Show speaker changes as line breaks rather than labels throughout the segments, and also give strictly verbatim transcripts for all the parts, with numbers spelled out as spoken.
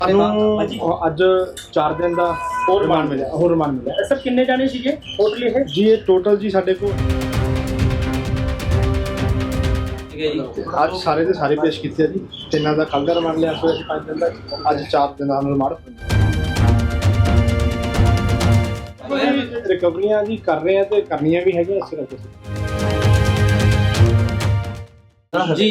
ਸਾਨੂੰ ਅੱਜ ਚਾਰ ਦਿਨ ਦਾ ਹੋਰ ਰਿਮਾਂਡ ਮਿਲਿਆ ਹੋਰ ਰਿਮਾਂਡ ਮਿਲਿਆ
ਸਰ ਕਿੰਨੇ ਜਾਣੇ ਸੀਗੇ ਟੋਟਲ ਇਹ?
ਜੀ। ਇਹ ਟੋਟਲ ਜੀ ਸਾਡੇ ਕੋਲ ਅੱਜ ਸਾਰੇ ਦੇ ਸਾਰੇ ਪੇਸ਼ ਕੀਤੇ ਆ ਜੀ। ਤਿੰਨਾਂ ਦਾ ਕੱਲ੍ਹ ਦਾ ਰਿਮਾਂਡ ਲਿਆ ਸੋ ਅਸੀਂ ਪੰਜ ਦਿਨ ਦਾ, ਅੱਜ ਚਾਰ ਦਿਨ ਦਾ ਰਿਮਾਂਡ ਰਿਕਵਰੀਆਂ ਜੀ ਕਰ ਰਹੇ ਆ ਤੇ ਕਰਨੀਆਂ ਵੀ ਹੈਗੀਆਂ। ਇਸ ਕਰਕੇ
ਜੀ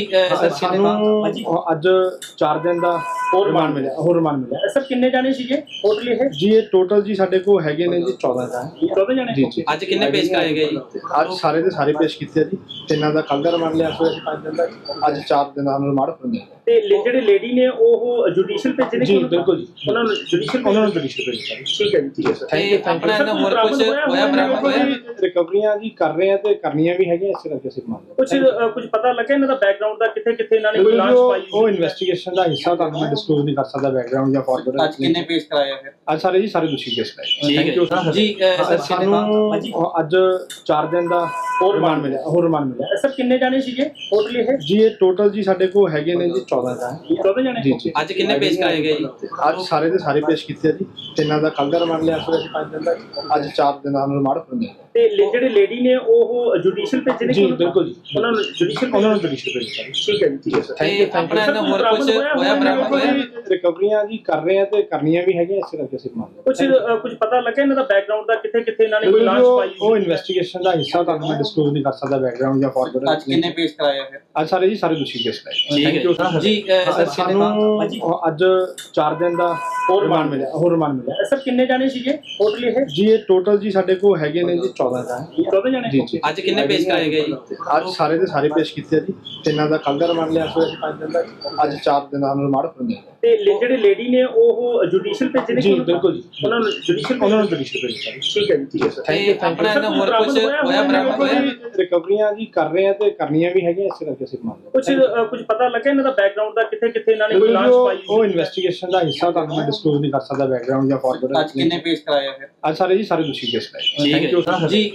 ਸਾਨੂੰ ਅੱਜ ਚਾਰ ਦਿਨ ਦਾ ਹੋਰ ਰਿਮਾਂਡ ਮਿਲਿਆ ਹੋਰ ਰਿਮਾਂਡ ਮਿਲਿਆ
ਸਰ ਕਿੰਨੇ ਜਾਣੇ ਸੀਗੇ ਟੋਟਲ ਇਹ?
ਜੀ। ਇਹ ਟੋਟਲ ਜੀ ਸਾਡੇ ਕੋਲ ਹੈਗੇ ਨੇ ਜੀ ਚੌਦਾਂ ਦਾ
ਚੌਦਾਂ ਜਾਣੇ
ਜੀ ਜੀ।
ਅੱਜ ਕਿੰਨੇ ਪੇਸ਼ ਕਰਾਏ ਗਏ ਜੀ?
ਅੱਜ ਸਾਰੇ ਦੇ ਸਾਰੇ ਪੇਸ਼ ਕੀਤੇ ਆ ਜੀ। ਤਿੰਨਾਂ ਦਾ ਕੱਲ੍ਹ ਦਾ ਰਿਮਾਂਡ ਲਿਆ ਸੋ ਅਸੀਂ ਪੰਜ ਦਿਨ ਦਾ, ਅੱਜ ਚਾਰ ਦਿਨ ਦਾ ਰਿਮਾਂਡ ਮਿਲਿਆ।
ਤੇ ਲੇ- ਜਿਹੜੇ ਲੇਡੀ ਨੇ ਉਹ ਜੁਡੀਸ਼ੀਅਲ ਭੇਜੇ ਨੇ?
ਜੀ ਬਿਲਕੁਲ ਜੀ,
ਉਹਨਾਂ ਨੂੰ ਜੁਡੀਸ਼ੀਅਲ
ਉਹਨਾਂ ਨੂੰ ਜੁਡੀਸ਼ੀਅਲ ਭੇਜਿਆ।
ਠੀਕ ਹੈ ਜੀ, ਠੀਕ ਹੈ ਸਰ।
ਥੈਂਕ ਯੂ ਥੈਂਕ
ਆਪਣਾ ਇਹਨਾਂ ਹੋਰ ਕੁਝ ਹੋਇਆ ਬਰਾਮਦ ਹੋਇਆ?
ਰਿਕਵਰੀਆਂ ਜੀ ਕਰ ਰਹੇ ਆ ਤੇ ਕਰਨੀਆਂ ਵੀ ਹੈਗੀਆਂ। ਇਸ ਕਰਕੇ ਅਸੀਂ ਮੰਨ
ਕੁਝ ਅ, ਕੁਝ ਪਤਾ ਲੱਗਾ ਇਹਨਾਂ ਦਾ ਬੈਕਗ੍ਰਾਉਂਡ ਦਾ, ਕਿੱਥੇ ਕਿੱਥੇ ਇਹਨਾਂ ਨੇ ਕੋਈ ਲਾਂਚ ਪਾਈ?
ਉਹ ਇਨਵੈਸਟੀਗੇਸ਼ਨ ਦਾ ਹਿੱਸਾ ਤੁਹਾਨੂੰ ਮੈਂ ਡਿਸਕਲੋਜ਼ ਨਹੀਂ ਕਰ ਸਕਦਾ ਬੈਕਗ੍ਰਾਉਂਡ ਜਾਂ ਫਾਰਵਰਡ।
ਅੱਜ ਕਿੰਨੇ ਪੇਸ਼ ਕਰਾਇਆ ਫਿਰ?
ਅੱਜ ਸਾਰੇ ਜੀ ਸਾਰੇ ਦੋਸ਼ੀ ਕੇਸ ਲਾਏ।
ਠੀਕ ਹੈ ਜੀ।
ਸਾਨੂੰ ਅੱਜ ਚਾਰ ਦਿਨ ਦਾ ਹੋਰ ਰਿਮਾਂਡ ਮਿਲਿਆ ਹੋਰ ਰਿਮਾਂਡ ਮਿਲਿਆ
ਸਰ ਕਿੰਨੇ ਜਾਣੇ ਸੀਗੇ ਟੋਟਲ ਇਹ?
ਜੀ। ਇਹ ਟੋਟਲ ਜੀ ਸਾਡੇ ਕੋਲ ਹੈਗੇ ਨੇ ਜੀ ਚੌਦਾਂ ਦਾ
ਚੌਦਾਂ ਜਾਣੇ
ਜੀ ਜੀ।
ਅੱਜ ਕਿੰਨੇ ਪੇਸ਼ ਕਰਾਏ ਗਏ ਜੀ?
ਅੱਜ ਸਾਰੇ ਦੇ ਸਾਰੇ ਪੇਸ਼ ਕੀਤੇ ਆ ਜੀ। ਤਿੰਨਾਂ ਦਾ ਕੱਲ੍ਹ ਦਾ ਰਿਮਾਂਡ ਲਿਆ ਸੋ ਅਸੀਂ ਪੰਜ ਦਿਨ ਦਾ, ਅੱਜ ਚਾਰ ਦਿਨ ਦਾ ਰਿਮਾਂਡ ਮਿਲਿਆ।
ਤੇ ਲੇ- ਜਿਹੜੇ ਲੇਡੀ ਨੇ ਉਹ ਜੁਡੀਸ਼ੀਅਲ ਭੇਜੇ ਨੇ?
ਜੀ ਬਿਲਕੁਲ ਜੀ,
ਉਹਨਾਂ ਨੂੰ ਜੁਡੀਸ਼ੀਅਲ
ਉਹਨਾਂ ਨੂੰ ਜੁਡੀਸ਼ੀਅਲ ਭੇਜਿਆ।
ਠੀਕ ਹੈ ਜੀ, ਠੀਕ ਹੈ ਸਰ।
ਥੈਂਕ ਯੂ ਥੈਂਕ
ਆਪਣਾ ਇਹਨਾਂ ਹੋਰ ਕੁਝ ਹੋਇਆ ਬਰਾਮਦ ਹੋਇਆ?
ਰਿਕਵਰੀਆਂ ਜੀ ਕਰ ਰਹੇ ਆ ਤੇ ਕਰਨੀਆਂ ਵੀ ਹੈਗੀਆਂ। ਇਸ ਕਰਕੇ ਅਸੀਂ ਮੰਨ
ਕੁਝ ਅ, ਕੁਝ ਪਤਾ ਲੱਗਾ ਇਹਨਾਂ ਦਾ ਬੈਕਗ੍ਰਾਉਂਡ ਦਾ, ਕਿੱਥੇ ਕਿੱਥੇ ਇਹਨਾਂ ਨੇ ਕੋਈ ਲਾਂਚ ਪਾਈ?
ਉਹ ਇਨਵੈਸਟੀਗੇਸ਼ਨ ਦਾ ਹਿੱਸਾ ਤੁਹਾਨੂੰ ਮੈਂ ਡਿਸਕਲੋਜ਼ ਨਹੀਂ ਕਰ ਸਕਦਾ ਬੈਕਗ੍ਰਾਉਂਡ ਜਾਂ ਫਾਰਵਰਡ।
ਅੱਜ ਕਿੰਨੇ ਪੇਸ਼ ਕਰਾਇਆ ਫਿਰ?
ਅੱਜ ਸਾਰੇ ਜੀ ਸਾਰੇ ਦੋਸ਼ੀ ਕੇਸ ਲਾਏ।
ਠੀਕ ਹੈ ਜੀ।
ਸਾਨੂੰ ਅੱਜ ਚਾਰ ਦਿਨ ਦਾ ਹੋਰ ਰਿਮਾਂਡ ਮਿਲਿਆ ਹੋਰ ਰਿਮਾਂਡ ਮਿਲਿਆ
ਸਰ ਕਿੰਨੇ ਜਾਣੇ ਸੀਗੇ ਟੋਟਲ ਇਹ?
ਜੀ। ਇਹ ਟੋਟਲ ਜੀ ਸਾਡੇ ਕੋਲ ਹੈਗੇ ਨੇ ਜੀ ਚੌਦਾਂ ਦਾ
ਚੌਦਾਂ ਜਾਣੇ
ਜੀ ਜੀ।
ਅੱਜ ਕਿੰਨੇ ਪੇਸ਼ ਕਰਾਏ ਗਏ ਜੀ?
ਅੱਜ ਸਾਰੇ ਦੇ ਸਾਰੇ ਪੇਸ਼ ਕੀਤੇ ਆ ਜੀ। ਤਿੰਨਾਂ ਦਾ ਕੱਲ੍ਹ ਦਾ ਰਿਮਾਂਡ ਲਿਆ ਸੋ ਅਸੀਂ ਪੰਜ ਦਿਨ ਦਾ, ਅੱਜ ਚਾਰ ਦਿਨ ਦਾ ਰਿਮਾਂਡ ਮਿਲਿਆ।
ਤੇ ਲੇ- ਜਿਹੜੇ ਲੇਡੀ ਨੇ ਉਹ ਜੁਡੀਸ਼ੀਅਲ ਭੇਜੇ ਨੇ?
ਜੀ ਬਿਲਕੁਲ ਜੀ,
ਉਹਨਾਂ ਨੂੰ ਜੁਡੀਸ਼ੀਅਲ
ਉਹਨਾਂ ਨੂੰ ਜੁਡੀਸ਼ੀਅਲ ਭੇਜਿਆ।
ਠੀਕ ਹੈ ਜੀ, ਠੀਕ ਹੈ ਸਰ।
ਥੈਂਕ ਯੂ ਥੈਂਕ
ਆਪਣਾ ਇਹਨਾਂ ਹੋਰ ਕੁਝ ਹੋਇਆ ਬਰਾਮਦ ਹੋਇਆ?
ਰਿਕਵਰੀਆਂ ਜੀ ਕਰ ਰਹੇ ਆ ਤੇ ਕਰਨੀਆਂ ਵੀ ਹੈਗੀਆਂ। ਇਸ ਕਰਕੇ ਅਸੀਂ ਮੰਨ
ਕੁਝ ਅ, ਕੁਝ ਪਤਾ ਲੱਗਾ ਇਹਨਾਂ ਦਾ ਬੈਕਗ੍ਰਾਉਂਡ ਦਾ, ਕਿੱਥੇ ਕਿੱਥੇ ਇਹਨਾਂ ਨੇ ਕੋਈ ਲਾਂਚ ਪਾਈ?
ਉਹ ਇਨਵੈਸਟੀਗੇਸ਼ਨ ਦਾ ਹਿੱਸਾ ਤੁਹਾਨੂੰ ਮੈਂ ਡਿਸਕਲੋਜ਼ ਨਹੀਂ ਕਰ ਸਕਦਾ ਬੈਕਗ੍ਰਾਉਂਡ ਜਾਂ ਫਾਰਵਰਡ।
ਅੱਜ ਕਿੰਨੇ ਪੇਸ਼ ਕਰਾਇਆ ਫਿਰ?
ਅੱਜ ਸਾਰੇ ਜੀ ਸਾਰੇ ਦੋਸ਼ੀ ਕੇਸ ਲਾਏ।
ਠੀਕ ਹੈ ਜੀ।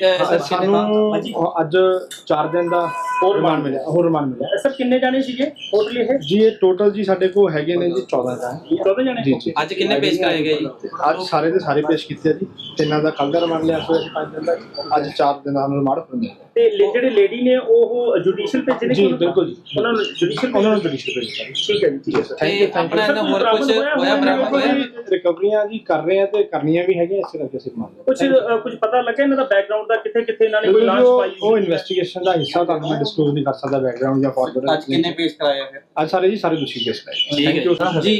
ਸਾਨੂੰ ਅੱਜ ਚਾਰ ਦਿਨ ਦਾ ਹੋਰ ਰਿਮਾਂਡ ਮਿਲਿਆ ਹੋਰ ਰਿਮਾਂਡ ਮਿਲਿਆ
ਸਰ ਕਿੰਨੇ ਜਾਣੇ ਸੀਗੇ ਟੋਟਲ ਇਹ?
ਜੀ। ਇਹ ਟੋਟਲ ਜੀ ਸਾਡੇ ਕੋਲ ਹੈਗੇ ਨੇ ਜੀ ਚੌਦਾਂ ਦਾ
ਚੌਦਾਂ ਜਾਣੇ
ਜੀ ਜੀ।
ਅੱਜ ਕਿੰਨੇ ਪੇਸ਼ ਕਰਾਏ ਗਏ ਜੀ?
ਅੱਜ ਸਾਰੇ ਦੇ ਸਾਰੇ ਪੇਸ਼ ਕੀਤੇ ਆ ਜੀ। ਤਿੰਨਾਂ ਦਾ ਕੱਲ੍ਹ ਦਾ ਰਿਮਾਂਡ ਲਿਆ ਸੋ ਅਸੀਂ ਪੰਜ ਦਿਨ ਦਾ, ਅੱਜ ਚਾਰ ਦਿਨ ਦਾ ਰਿਮਾਂਡ ਮਿਲਿਆ।
ਤੇ ਲੇ- ਜਿਹੜੇ ਲੇਡੀ ਨੇ ਉਹ ਜੁਡੀਸ਼ੀਅਲ ਭੇਜੇ ਨੇ?
ਜੀ ਬਿਲਕੁਲ ਜੀ,
ਉਹਨਾਂ ਨੂੰ ਜੁਡੀਸ਼ੀਅਲ
ਉਹਨਾਂ ਨੂੰ ਜੁਡੀਸ਼ੀਅਲ ਭੇਜਿਆ।
ਠੀਕ ਹੈ ਜੀ, ਠੀਕ ਹੈ ਸਰ।
ਥੈਂਕ ਯੂ ਥੈਂਕ
ਆਪਣਾ ਇਹਨਾਂ ਹੋਰ ਕੁਝ ਹੋਇਆ ਬਰਾਮਦ ਹੋਇਆ?
ਰਿਕਵਰੀਆਂ ਜੀ ਕਰ ਰਹੇ ਆ ਤੇ ਕਰਨੀਆਂ ਵੀ ਹੈਗੀਆਂ। ਇਸ ਕਰਕੇ ਅਸੀਂ ਮੰਨ
ਕੁਝ ਅ, ਕੁਝ ਪਤਾ ਲੱਗਾ ਇਹਨਾਂ ਦਾ ਬੈਕਗ੍ਰਾਉਂਡ ਦਾ, ਕਿੱਥੇ ਕਿੱਥੇ ਇਹਨਾਂ ਨੇ ਕੋਈ ਲਾਂਚ ਪਾਈ?
ਉਹ ਇਨਵੈਸਟੀਗੇਸ਼ਨ ਦਾ ਹਿੱਸਾ ਤੁਹਾਨੂੰ ਮੈਂ ਡਿਸਕਲੋਜ਼ ਨਹੀਂ ਕਰ ਸਕਦਾ ਬੈਕਗ੍ਰਾਉਂਡ ਜਾਂ ਫਾਰਵਰਡ।
ਅੱਜ ਕਿੰਨੇ ਪੇਸ਼ ਕਰਾਇਆ ਫਿਰ?
ਅੱਜ ਸਾਰੇ ਜੀ ਸਾਰੇ ਦੋਸ਼ੀ ਕੇਸ ਲਾਏ।
ਠੀਕ ਹੈ ਜੀ।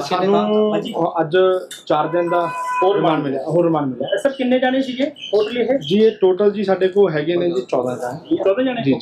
ਸਾਨੂੰ ਅੱਜ ਚਾਰ ਦਿਨ ਦਾ ਹੋਰ ਰਿਮਾਂਡ ਮਿਲਿਆ ਹੋਰ ਰਿਮਾਂਡ ਮਿਲਿਆ
ਸਰ ਕਿੰਨੇ ਜਾਣੇ ਸੀਗੇ ਟੋਟਲ ਇਹ?
ਜੀ। ਇਹ ਟੋਟਲ ਜੀ ਸਾਡੇ ਕੋਲ ਹੈਗੇ ਨੇ ਜੀ ਚੌਦਾਂ ਦਾ
ਚੌਦਾਂ ਜਾਣੇ
ਜੀ।